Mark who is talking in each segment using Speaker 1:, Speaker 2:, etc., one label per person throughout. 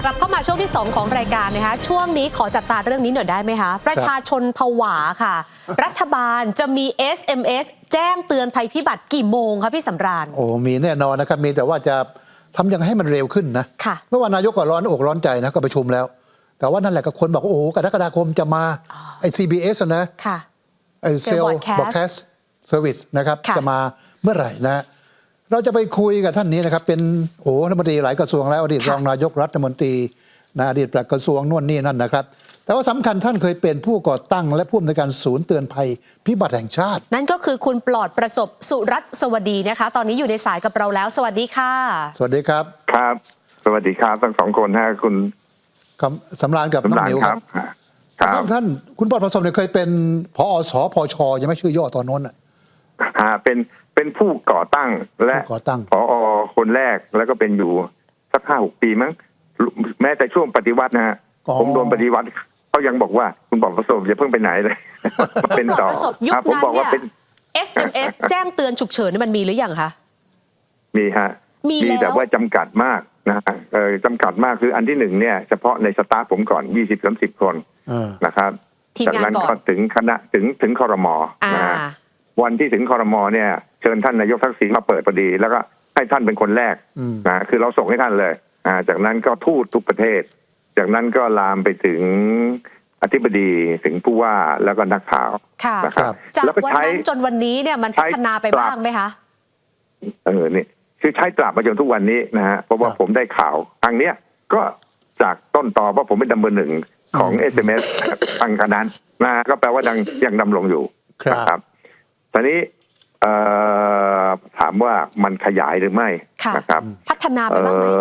Speaker 1: กลับเข้ามาช่วงที่ 2 ของรายการนะคะช่วงนี้ขอจับตาเรื่องนี้หน่อยได้ไหมคะประชาชนผวาค่ะรัฐบาลจะมี SMS แจ้งเตือนภัยพิบัติกี่โมงคะพี่สำราญ
Speaker 2: มีแน่นอนนะครับมีแต่ว่าจะทำยังไงให้มันเร็วขึ้นนะเมื่อวานนายกก็ร้อนอกร้อนใจนะก็ประชุมแล้วแต่ว่านั่นแหละก็คนบอกกรกฎาคมจะมาไอ้ CBS นะไอ้ Cell Broadcast Service นะครับจะมาเมื่อไหร่นะเราจะไปคุยกับท่านนี้นะครับเป็นรัฐมนตรีหลายกระทรวงแล้วอดีตรองนายกรัฐมนตรีอดีตปลัดกระทรวงนู่นนี่นั่นนะครับแต่ว่าสำคัญท่านเคยเป็นผู้ก่อตั้งและผู้อำนวยการศูนย์เตือนภัยพิบัติแห่งชาติ
Speaker 1: นั่นก็คือคุณปลอดประสบสุรัตน์สวัสดีนะคะตอนนี้อยู่ในสายกับเราแล้วสวัสดีค่ะ
Speaker 2: สวัสดีครับ
Speaker 3: ครับสวัสดีครับทั้งสองคนฮะคุณ
Speaker 2: สำราญกับน้องนิวครับท่านคุณปลอดประสบเนี่ยเคยเป็นผอ.สพช.ยังไม่ชื่อย่อตอนนั้น
Speaker 3: เป็นผู้ก่อตั้งและผอ.คนแรกแล้วก็เป็นอยู่สัก5-6 ปีมั้งแม้แต่ช่วงปฏิวัตินะฮะผมโดนปฏิวัติเขายังบอกว่าคุณปลอดประสบอย่าเพิ่งไปไหนเลยเป็นต่อ
Speaker 1: ผมบอกว่าเป็น SMS แจ้งเตือนฉุกเฉินนี่มันมีหรือยังคะ
Speaker 3: มีฮะมีแต่ว่าจำกัดมากนะจำกัดมากคืออันที่1เนี่ยเฉพาะในสตาฟผมก่อน 20-30 คนนะครับจากนั้นก็ถึงคณะถึงครม.นะวันที่ถึงครม.เนี่ยเชิญท่านนายกทักษิณมาเปิดพอดีแล้วก็ให้ท่านเป็นคนแรกนะคือเราส่งให้ท่านเลยจากนั้นก็ทูตทุกประเทศจากนั้นก็ลามไปถึงอธิบดีถึงผู้ว่าแล้วก็นักข่าว
Speaker 1: นะครับจากวันนั้นจนวันนี้เนี่ยมันพัฒนาไปบ้างไหมคะ
Speaker 3: นี่คือใช้ตราบมาจนทุกวันนี้นะฮะเพราะว่าผมได้ข่าวทางเนี้ยก็จากต้นตอว่าผมเป็นดัมเบอร์ 1ของ SMS ทางคณะนะก็แปลว่ายังดำรงอยู่
Speaker 2: ครับ
Speaker 3: ตอนนี้ถามว่ามันขยายหรือไม่นะครับ
Speaker 1: พัฒนาไปบ้างไหม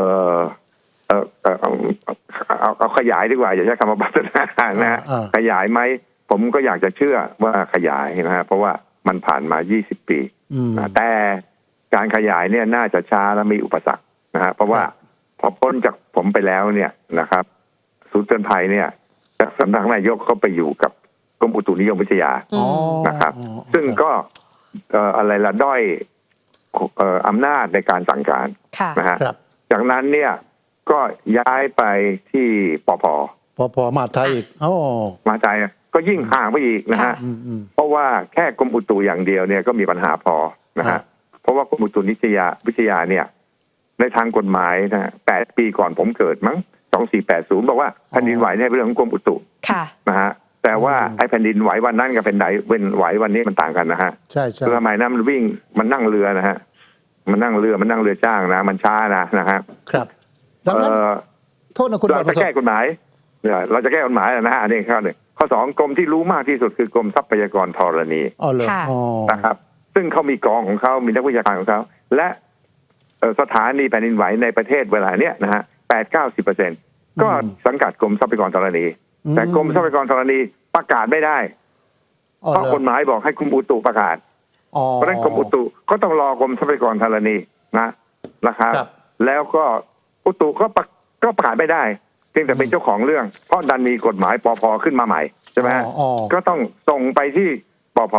Speaker 3: เอาขยายดีกว่าอย่าใช้คำว่าพัฒนานะขยายไหมผมก็อยากจะเชื่อว่าขยายนะฮะเพราะว่ามันผ่านมา20 ปีแต่การขยายเนี่ยน่าจะช้าและมีอุปสรรคนะฮะเพราะว่าพอพ้นจากผมไปแล้วเนี่ยนะครับศูนย์เตือนภัยเนี่ยสำนักนายกเขาไปอยู่กับกรมอุตุนิยมวิทยานะครับซึ่งก็อะไรละด้อยอำนาจในการสั่งการนะฮะจากนั้นเนี่ยก็ย้ายไปที่ปภ
Speaker 2: มาไทยอีก
Speaker 3: มาไทยก็ยิ่งห่างไปอีกนะฮะเพราะว่าแค่กรมอุตุอย่างเดียวเนี่ยก็มีปัญหาพอนะฮะเพราะว่ากรมอุตุนิวิทยาเนี่ยในทางกฎหมายนะ8 ปีก่อนผมเกิดมั้ง2480บอกว่าแผ่นดินไหวเนี่ยเป็นเรื่องของกรมอุตุนะฮะแต่ว่าไอ้แผ่นดินไหววันนั้นกับแผ่นดินไหววันนี้มันต่างกันนะฮะ
Speaker 2: ใช่
Speaker 3: สมัยนั้นมันวิ่งมันนั่งเรือนะฮะมันนั่งเรือจ้างนะมันช้านะครับ
Speaker 2: ดังนั้นโทษนะคุณ
Speaker 3: เราจะแก้กฎหมายเราจะแก้กฎหมายนะฮะอันนี้ข้อ 1ข้อ 2กรมที่รู้มากที่สุดคือกรมทรัพยากรธรณีนะครับซึ่งเขามีกองของเขามีนักวิชาการของเขาและสถานีแผ่นดินไหวในประเทศเวลาเนี้ยนะฮะ80-90%ก็สังกัดกรมทรัพยากรธรณีแต่กรมทรัพยากรธรณีประกาศไม่ได้เพราะกฎหมายบอกให้กรมอุตุประกาศเพราะฉะนั้นกรมอุตุก็ต้องรอกรมทรัพยากรธรณีนะครับแล้วก็อุตุก็ประกาศไม่ได้เพียงแต่เป็นเจ้าของเรื่องเพราะดันมีกฎหมายปภขึ้นมาใหม่ใช่ไหมก็ต้องส่งไปที่ปภ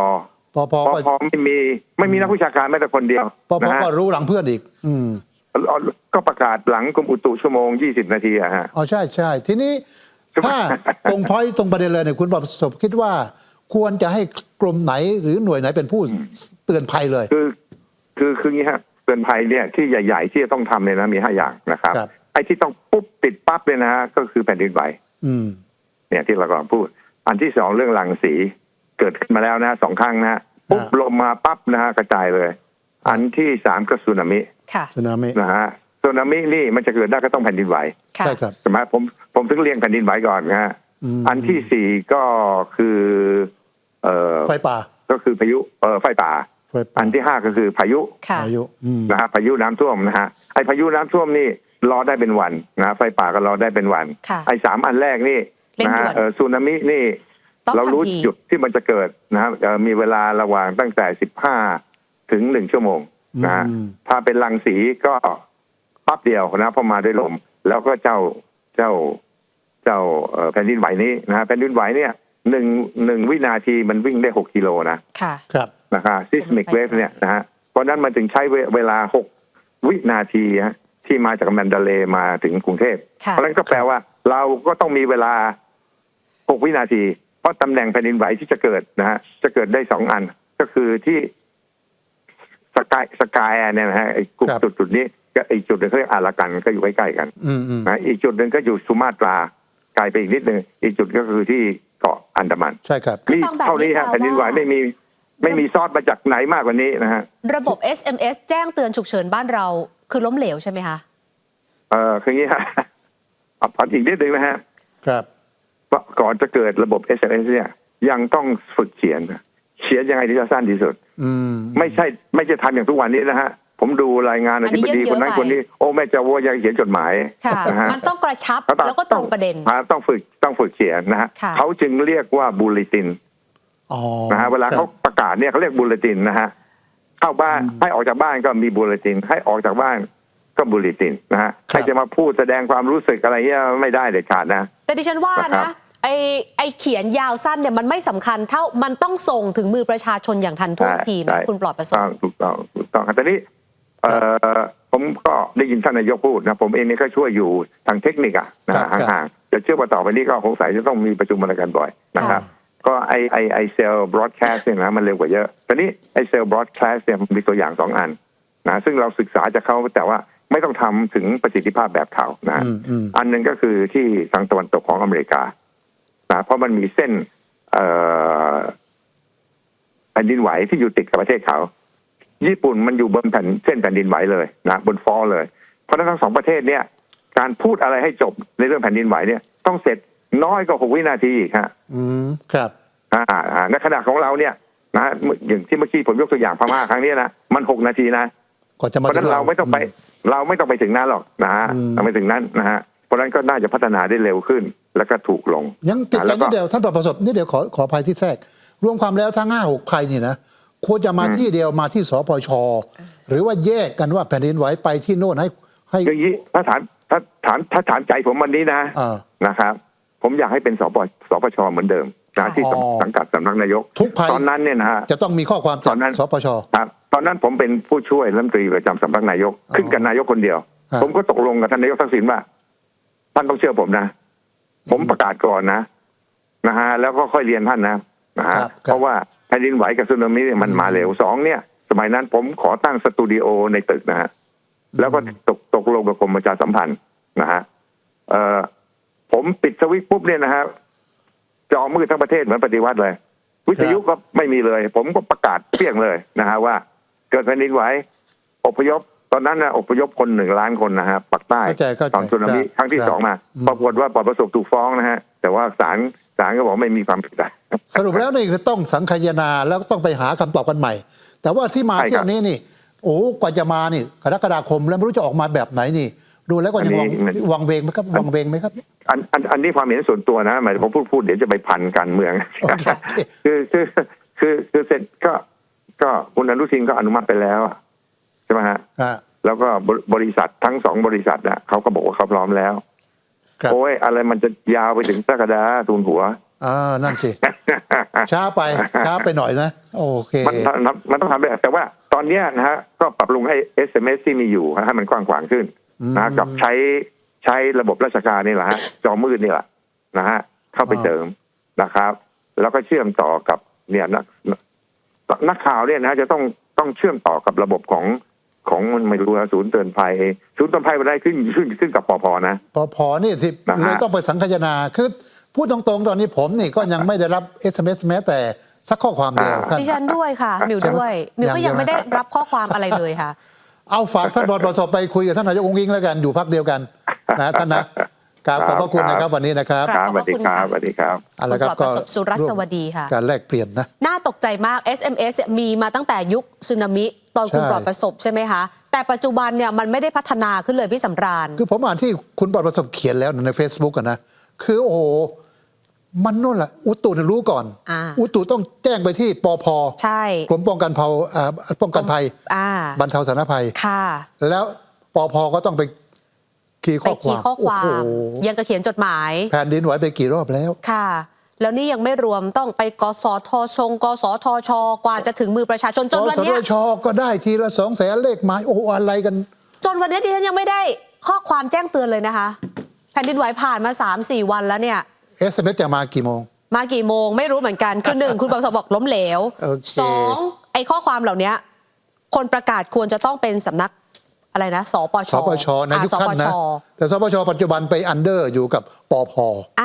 Speaker 3: ไม่มีนักวิชาการแม้แต่คนเดียว
Speaker 2: ปภก็รู้หลังเพื่อนอีก
Speaker 3: ก็ประกาศหลังกรมอุตุชั่วโมง20 นาทีฮะ
Speaker 2: ใช่ทีนี้ถ้าตรงพอยต์ตรงประเด็นเลยเนี่ยคุณประสบคิดว่าควรจะให้กรมไหนหรือหน่วยไหนเป็นผู้เตือนภัยเลย
Speaker 3: คืออย่างนี้ฮะเตือนภัยเนี่ยที่ใหญ่ๆที่จะต้องทำเนี่ยนะมี5 อย่างนะครับไอ้ที่ต้องปุ๊บติดปั๊บเลยนะฮะก็คือแผ่นดินไหวเนี่ยที่เรากำลังพูดอันที่2เรื่องรังสีเกิดขึ้นมาแล้วนะ2 ครั้งนะปุ๊บลมมาปั๊บนะฮะกระจายเลยอันที่3ก็สึนามินะฮะสึนามินี่มันจะเกิดได้ก็ต้องแผ่นดินไหว
Speaker 2: ใช่ครับ
Speaker 3: ใช่ไหมผมถึงเรียงแผ่นดินไหวก่อนนะฮะอันที่4ก็คือ
Speaker 2: ไฟป่า
Speaker 3: ก็คือพายุไฟป่าอันที่5ก็คือพายุนะฮะพายุน้ำท่วมนะฮะไอ้พายุน้ำท่วมนี่รอได้เป็นวันนะไฟป่าก็รอได้เป็นวันไอ้3 อันแรกนี่นะฮะสึนามินี่เรารู้จุดที่มันจะเกิดนะฮะมีเวลาระหว่างตั้งแต่15 ถึง 1 ชั่วโมงนะถ้าเป็นรังสีก็ปั๊บเดียวนะพอมาด้วยลมแล้วก็เจ้าแผ่นดินไหวนี้นะฮะแผ่นดินไหวเนี่ย1 วินาทีมันวิ่งได้6 กิโล
Speaker 2: นะครับ
Speaker 3: seismic wave เนี่ยนะฮะเพราะนั้นมันถึงใช้เวลา6 วินาทีฮะที่มาจากแมนดาเลย์มาถึงกรุงเทพเพราะฉะนั้นก็แปลว่าเราก็ต้องมีเวลา6 วินาทีเพราะตำแหน่งแผ่นดินไหวที่จะเกิดนะฮะจะเกิดได้2 อันก็คือที่สกายเนี่ยนะฮะไอ้กลุ่มจุดนี้ก็อีกจุดหนึ่งเขาเรียกอารากันก็อยู่ใกล้ๆกันนะอีกจุดหนึ่งก็อยู่สุมาตราไกลไปอีกนิดนึงอีกจุดก็คือที่เกาะอันดามัน
Speaker 2: ใช่ครับ
Speaker 3: นี่เท่านี้ฮะแผ่นดินไหวไม่มีซอสมาจากไหนมากกว่านี้นะฮะ
Speaker 1: ระบบ SMS แจ้งเตือนฉุกเฉินบ้านเราคือล้มเหลวใช่ไหมคะ
Speaker 3: คืออย่างนี้ฮะเอาอีกนิดนึงนะฮะ
Speaker 2: ครับ
Speaker 3: ก่อนจะเกิดระบบ SMS เนี่ยยังต้องฝึกเขียนยังไงที่จะสั้นที่สุดไม่ใช่ทำอย่างทุกวันนี้นะฮะผมดูรายงานอธิบดีคนนั้นคนนี้โอ้แม่จะว่ายังเขียนจดหมาย
Speaker 1: นะฮะมันต้องกระชับแล้วก็ตรงประเด็น
Speaker 3: ต้องฝึกเขียนนะฮะเขาจึงเรียกว่าบูเลตินนะฮะเวลาเขาประกาศเนี่ยเขาเรียกบูเลตินนะฮะเข้าบ้านให้ออกจากบ้านก็มีบูเลตินให้ออกจากบ้านก็บูเลตินนะฮะใครจะมาพูดแสดงความรู้สึกอะไรเงี้ยไม่ได้เด็ดขาดนะ
Speaker 1: แต่ดิฉันว่านะไอเขียนยาวสั้นเนี่ยมันไม่สำคัญเท่ามันต้องส่งถึงมือประชาชนอย่างทันท่วงทีนะคุณปลอดประสบ
Speaker 3: ถูกต้องแต่นี้ผมก็ได้ยินท่านนายกพูดนะผมเองนี่ก็ช่วยอยู่ทางเทคนิคนะห่างๆจะเชื่อว่าต่อไปนี้ก็สงสัยจะต้องมีประชุมอะไรกันบ่อยนะครับก็ไอเซลล์บล็อดแคสต์เนี่ยนะมันเร็วกว่าเยอะแต่นี้ไอเซลล์บล็อดแคสต์เนี่ยมีตัวอย่าง2 อันนะซึ่งเราศึกษาจากเขาแต่ว่าไม่ต้องทำถึงประสิทธิภาพแบบเขานะอันนึงก็คือที่ทางตะวันตกของอเมริกาเพราะมันมีเส้นแผ่นดินไหวที่อยู่ติดกับประเทศเขาญี่ปุ่นมันอยู่บนเส้นแผ่นดินไหวเลยนะบนฟอลเลยเพราะฉะนั้นทั้ง2 ประเทศเนี่ยการพูดอะไรให้จบในเรื่องแผ่นดินไหวเนี่ยต้องเสร็จน้อยกว่า6 วินาทีฮะ
Speaker 2: ครับ
Speaker 3: ในขณะของเราเนี่ยนะอย่างที่เมื่อกี้ผมยกตัวอย่างพม่าครั้งนี้นะมัน6 นาทีนะเพราะฉะนั้นเราไม่ต้องไปถึงนั้นหรอกนะฮะเราไม่ถึงนั้นนะฮะเพราะฉะนั้นก็น่าจะพัฒนาได้เร็วขึ้นแล้วก็ถูกลง
Speaker 2: ยังติดกันนิดเดียวท่านประสบนิดเดียวขออภัยที่แทรกรวมความแล้วทั้ง5-6 ใครนี่นะควรจะมาที่เดียวมาที่สปช.หรือว่าแยกกันว่าแผ่นดินไหวไปที่โน่นให้
Speaker 3: อย่างนี้ถ้าถามใจผมวันนี้นะครับผมอยากให้เป็นสปช.เหมือนเดิมนะที่สังกัดสำนักนายก
Speaker 2: ทุกภัย
Speaker 3: ตอนนั้นเนี่ยนะฮะ
Speaker 2: จะต้องมีข้อความจากสปช.
Speaker 3: ครับตอนนั้นผมเป็นผู้ช่วยรัฐมนตรีประจำสำนักนายกขึ้นกับนายกคนเดียวผมก็ตกลงกับท่านนายกทักษิณว่าท่านต้องเชื่อผมนะผมประกาศก่อนนะฮะแล้วก็ค่อยเรียนท่านนะฮะเพราะว่าแผ่นดินไหวกับสึนามิเนี่ยมันมาเร็ว2เนี่ยสมัยนั้นผมขอตั้งสตูดิโอในตึกนะฮะแล้วก็ตกลงกับกรมประชาสัมพันธ์นะฮะผมปิดสวิตช์ปุ๊บเนี่ยนะฮะจอมืดทั้งประเทศเหมือนปฏิวัติเลยวิทยุก็ไม่มีเลยผมก็ประกาศเปรี้ยงเลยนะฮะว่าเกิดแผ่นดินไหวอพยพตอนนั้นนะอพยพคน1 ล้านคนนะฮะปักใต้ตอนสึนามิครั้งที่2มาปรากฏว่าปลอดประสบถูกฟ้องนะฮะแต่ว่าศาลก็บอกไม่มีความผิด
Speaker 2: สรุปแล้วนี่คือต้องสังคายนาแล้วต้องไปหาคำตอบกันใหม่แต่ว่าที่มาเที่ยวนี้นี่โอ้กว่าจะมานี่กรกฎาคมแล้วไม่รู้จะออกมาแบบไหนนี่ดูแล้วก็ยังวังเวงไหมครับวังเวงไหมครับ
Speaker 3: อันนี้ความเห็นส่วนตัวนะหมายถึงผมพูดเดี๋ยวจะไปพันการเมืองคือเสร็จก็คุณอนุทินก็อนุมัติไปแล้วใช่ไหมฮะแล้วก็บริษัททั้ง2 บริษัทนะเขาก็บอกว่าเขาพร้อมแล้วโอ้ยอะไรมันจะยาวไปถึงกรกฎาทูลหัว
Speaker 2: นั่นสิช้าไปหน่อยนะโอเค
Speaker 3: มันต้องทำได้แต่ว่าตอนนี้นะฮะก็ปรับปรุงให้ SMS ที่มีอยู่ให้มันกว้างขวางขึ้นนะกับใช้ระบบราชการนี่แหละฮะจอมืดนี่แหละนะฮะเข้าไปเติมนะครับแล้วก็เชื่อมต่อกับเนี่ยนักข่าวเนี่ยนะจะต้องเชื่อมต่อกับระบบของไม่รู้ศูนย์เตือนภัยมันได้ขึ้นกับปภนะ
Speaker 2: ปภนี่ที่เลยต้องไปสังคายนาคือพูดตรงๆตอนนี้ผมนี่ก็ยังไม่ได้รับ SMS แม้แต่สักข้อความเดียว
Speaker 1: ดิฉันด้วยค่ะมิวด้วยมิวก็ยังไม่ได้รับข้อความอะไรเลยค่ะ
Speaker 2: เอาฝากท่านประสบไปคุยกับท่านนายกอุ๊งอิ๊งแล้วกันอยู่พรรคเดียวกันนะท่านนะขอบพระคุณนะครับวันนี้นะครับ
Speaker 3: สวัสดีครับสวัสดีครับ
Speaker 1: คุณปลอดประสบสุรัสวดีค่ะ
Speaker 2: การแลกเปลี่ยนนะ
Speaker 1: น่าตกใจมาก SMS มีมาตั้งแต่ยุคสึนามิตอนคุณปลอดประสบใช่ไหมคะแต่ปัจจุบันเนี่ยมันไม่ได้พัฒนาขึ้นเลยพี่สำราญ
Speaker 2: คือผมอ่านที่คุณปลอดประสบเขียนแล้วใน Facebook กันนะคือโอ้โหมันนู่นแหละอุตุรู้ก่อนอุตุต้องแจ้งไปที่ปภ.
Speaker 1: ใช่
Speaker 2: กรมป้องกันภัยบรรเทาสาธารณภัย
Speaker 1: ค่ะ
Speaker 2: แล้วปภ.ก็ต้องไปขีข้อความ
Speaker 1: ยังกระเขียนจดหมาย
Speaker 2: แผ่นดินไหวไปกี่รอบแล้ว
Speaker 1: ค่ะแล้วนี่ยังไม่รวมต้องไปกสทช.กสทช.กว่าจะถึงมือประชาชนจนวันนี้
Speaker 2: กสทช.ก็ได้ทีละ200,000เลขหมายโอ้อะไรกัน
Speaker 1: จนวันนี้ดิฉันยังไม่ได้ข้อความแจ้งเตือนเลยนะคะแผ่นดินไหวผ่านมา 3-4 วันแล้วเนี่ย
Speaker 2: SMS จะมากี่โมง
Speaker 1: มากี่โมงไม่รู้เหมือนกันคือ1คุณประสบบอกล้มเหลว 2ไอ้ข้อความเหล่านี้คนประกาศควรจะต้องเป็นสำนักอะไรนะสปช
Speaker 2: ในยุคท่านนะแต่สปชปัจจุบันไปอันเดอร์อยู่กับปพ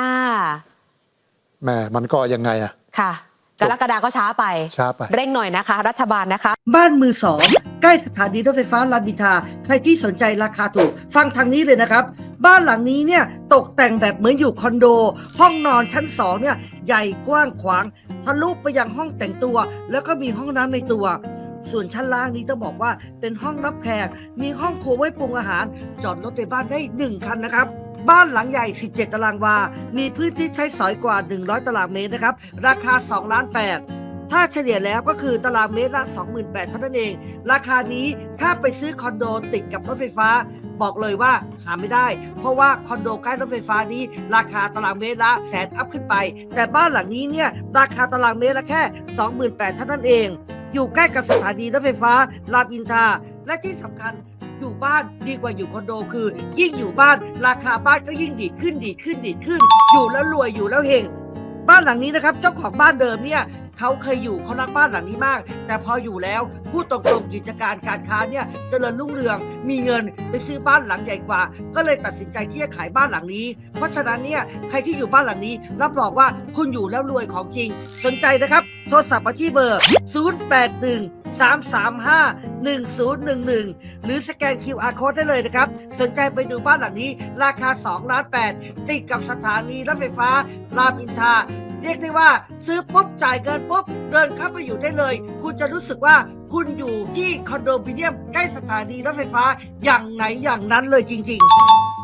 Speaker 2: แม่มันก็ยังไงอะ
Speaker 1: ค่ะกรกฎาก็ช้าไปเร่งหน่อยนะคะรัฐบาลนะคะ
Speaker 4: บ้านมือสองใกล้สถานีรถไฟฟ้ารามอินทราใครที่สนใจราคาถูกฟังทางนี้เลยนะครับบ้านหลังนี้เนี่ยตกแต่งแบบเหมือนอยู่คอนโดห้องนอนชั้น2เนี่ยใหญ่กว้างขวางทะลุไปยังห้องแต่งตัวแล้วก็มีห้องน้ำในตัวส่วนชั้นล่างนี้ต้องบอกว่าเป็นห้องรับแขกมีห้องครัวไว้ปรุงอาหารจอดรถในบ้านได้1คันนะครับบ้านหลังใหญ่17ตารางวามีพื้นที่ใช้สอยกว่า100ตารางเมตรนะครับราคา2.8 ล้านถ้าเฉลี่ยแล้วก็คือตารางเมตรละ 28,000 เท่านั้นเองราคานี้ถ้าไปซื้อคอนโดติดกับรถไฟฟ้าบอกเลยว่าหาไม่ได้เพราะว่าคอนโดใกล้รถไฟฟ้านี้ราคาตารางเมตรละแสนอัพขึ้นไปแต่บ้านหลังนี้เนี่ยราคาตารางเมตรละแค่ 28,000 เท่านั้นเองอยู่ใกล้กับสถานีรถไฟฟ้ารามอินทราและที่สำคัญอยู่บ้านดีกว่าอยู่คอนโดคือยิ่งอยู่บ้านราคาบ้านก็ยิ่งดีขึ้นอยู่แล้วรวยอยู่แล้วเฮงบ้านหลังนี้นะครับเจ้าของบ้านเดิมเนี่ยเขาเคยอยู่เขารักบ้านหลังนี้มากแต่พออยู่แล้วพูดตรงๆกิจการการค้าเนี่ยเจริญรุ่งเรืองมีเงินไปซื้อบ้านหลังใหญ่กว่าก็เลยตัดสินใจที่จะขายบ้านหลังนี้เพราะฉะนั้นเนี่ยใครที่อยู่บ้านหลังนี้รับรองว่าคุณอยู่แล้วรวยของจริงสนใจนะครับโทรศัพท์มาที่เบอร์ 081-335-1011 หรือสแกน QR Code ได้เลยนะครับสนใจไปดูบ้านหลังนี้ราคา2.8 ล้านติดกับสถานีรถไฟฟ้ารามอินทราเรียกได้ว่าซื้อปุ๊บจ่ายเงินปุ๊บเดินเข้าไปอยู่ได้เลยคุณจะรู้สึกว่าคุณอยู่ที่คอนโดมิเนียมใกล้สถานีรถไฟฟ้าอย่างไหนอย่างนั้นเลยจริงๆ